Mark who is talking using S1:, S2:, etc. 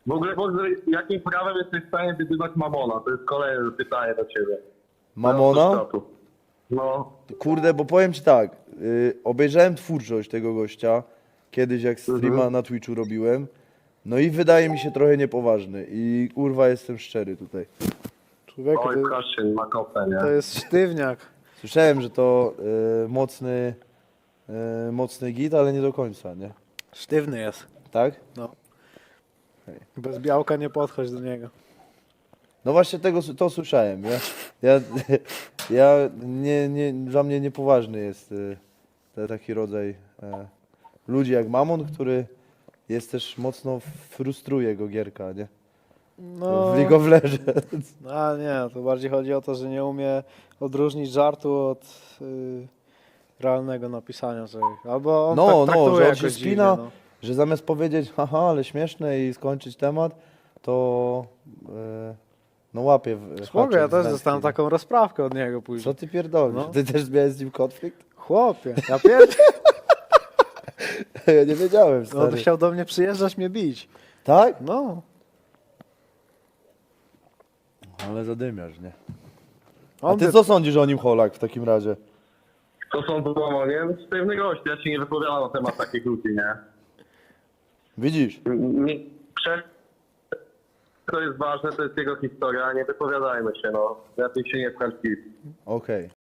S1: W ogóle, jakim prawem jesteś w stanie wyzywać Mamona? To jest kolejne pytanie do ciebie.
S2: Mamona?
S1: No.
S2: Kurde, bo powiem ci tak, obejrzałem twórczość tego gościa, kiedyś jak streama na Twitchu robiłem, no i wydaje mi się trochę niepoważny i kurwa jestem szczery tutaj.
S3: Człowieku,
S1: Oj, proszę, na kopę, nie?
S3: to jest sztywniak.
S2: Słyszałem, że to mocny git, ale nie do końca, nie?
S3: Sztywny jest.
S2: Tak?
S3: No. Bez białka nie podchodź do niego.
S2: No właśnie to słyszałem. Ja dla mnie niepoważny jest taki rodzaj ludzi jak Mamon, który jest też mocno frustruje go gierka, nie?
S3: No,
S2: W League of Legends.
S3: a nie, to bardziej chodzi o to, że nie umie odróżnić żartu od realnego napisania czegoś. Albo on
S2: No,
S3: tak traktuje
S2: że on
S3: jakoś
S2: się
S3: dziwnie,
S2: spina,
S3: no.
S2: że zamiast powiedzieć haha, ale śmieszne i skończyć temat, to no łapie w
S3: Spoko, ja
S2: haczyk
S3: też
S2: z
S3: dostałem
S2: wędki.
S3: taką rozprawkę od niego później.
S2: Co ty pierdolisz?
S3: No.
S2: Ty też miałeś z nim konflikt?
S3: Chłopie, ja pierd...
S2: Ja nie wiedziałem,
S3: No,
S2: stary.
S3: on chciał do mnie przyjeżdżać, mnie bić.
S2: Tak?
S3: No.
S2: Ale zadymiasz, nie? A
S3: On
S2: ty
S3: by-
S2: co sądzisz o nim, Holak, w takim razie?
S1: To są do Mamonie? Sztywny gość, ja się nie wypowiadam na temat takich ludzi, nie?
S2: Widzisz?
S1: To jest ważne, to jest jego historia, nie wypowiadajmy się, no. Lepiej się nie wkręcić.
S2: Okej.